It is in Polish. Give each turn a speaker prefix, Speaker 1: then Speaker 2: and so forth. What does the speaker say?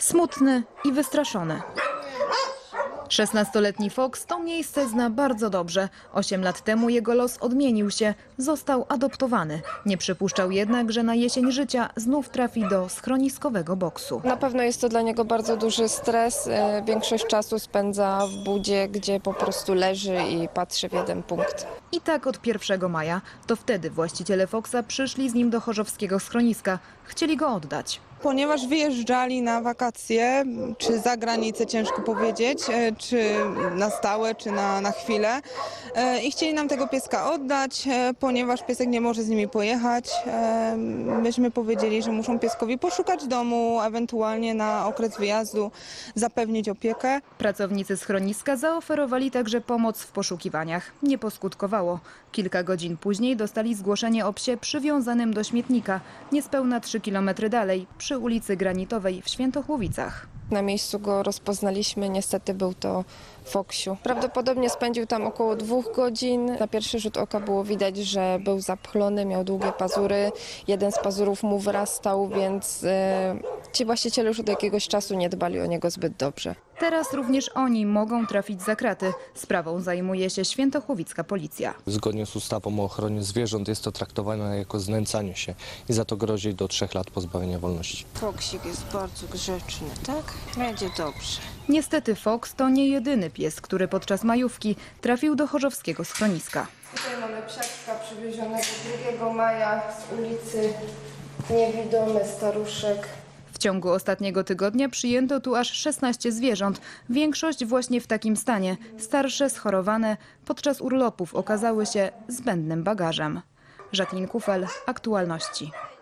Speaker 1: Smutny i wystraszony. 16-letni Fox to miejsce zna bardzo dobrze. 8 lat temu jego los odmienił się. Został adoptowany. Nie przypuszczał jednak, że na jesień życia znów trafi do schroniskowego boksu.
Speaker 2: Na pewno jest to dla niego bardzo duży stres. Większość czasu spędza w budzie, gdzie po prostu leży i patrzy w jeden punkt.
Speaker 1: I tak od 1 maja. To wtedy właściciele Foxa przyszli z nim do chorzowskiego schroniska. Chcieli go oddać.
Speaker 3: Ponieważ wyjeżdżali na wakacje, czy za granicę, ciężko powiedzieć, czy na stałe, czy na chwilę. I chcieli nam tego pieska oddać, ponieważ piesek nie może z nimi pojechać. Myśmy powiedzieli, że muszą pieskowi poszukać domu, ewentualnie na okres wyjazdu zapewnić opiekę.
Speaker 1: Pracownicy schroniska zaoferowali także pomoc w poszukiwaniach. Nie poskutkowało. Kilka godzin później dostali zgłoszenie o psie przywiązanym do śmietnika, niespełna 3 km dalej, przy ulicy Granitowej w Świętochłowicach.
Speaker 2: Na miejscu go rozpoznaliśmy, niestety był to Foksiu. Prawdopodobnie spędził tam około 2 godzin. Na pierwszy rzut oka było widać, że był zapchlony, miał długie pazury. Jeden z pazurów mu wyrastał, więc ci właściciele już od jakiegoś czasu nie dbali o niego zbyt dobrze.
Speaker 1: Teraz również oni mogą trafić za kraty. Sprawą zajmuje się świętochłowicka policja.
Speaker 4: Zgodnie z ustawą o ochronie zwierząt jest to traktowane jako znęcanie się i za to grozi do 3 lat pozbawienia wolności.
Speaker 5: Foksik jest bardzo grzeczny, tak? Będzie dobrze.
Speaker 1: Niestety Fox to nie jedyny pies, który podczas majówki trafił do chorzowskiego schroniska.
Speaker 2: Tutaj mamy psiaczka przywiezionego 2 maja z ulicy Niewidomy Staruszek.
Speaker 1: W ciągu ostatniego tygodnia przyjęto tu aż 16 zwierząt. Większość właśnie w takim stanie. Starsze, schorowane, podczas urlopów okazały się zbędnym bagażem. Jacqueline Kufel, Aktualności.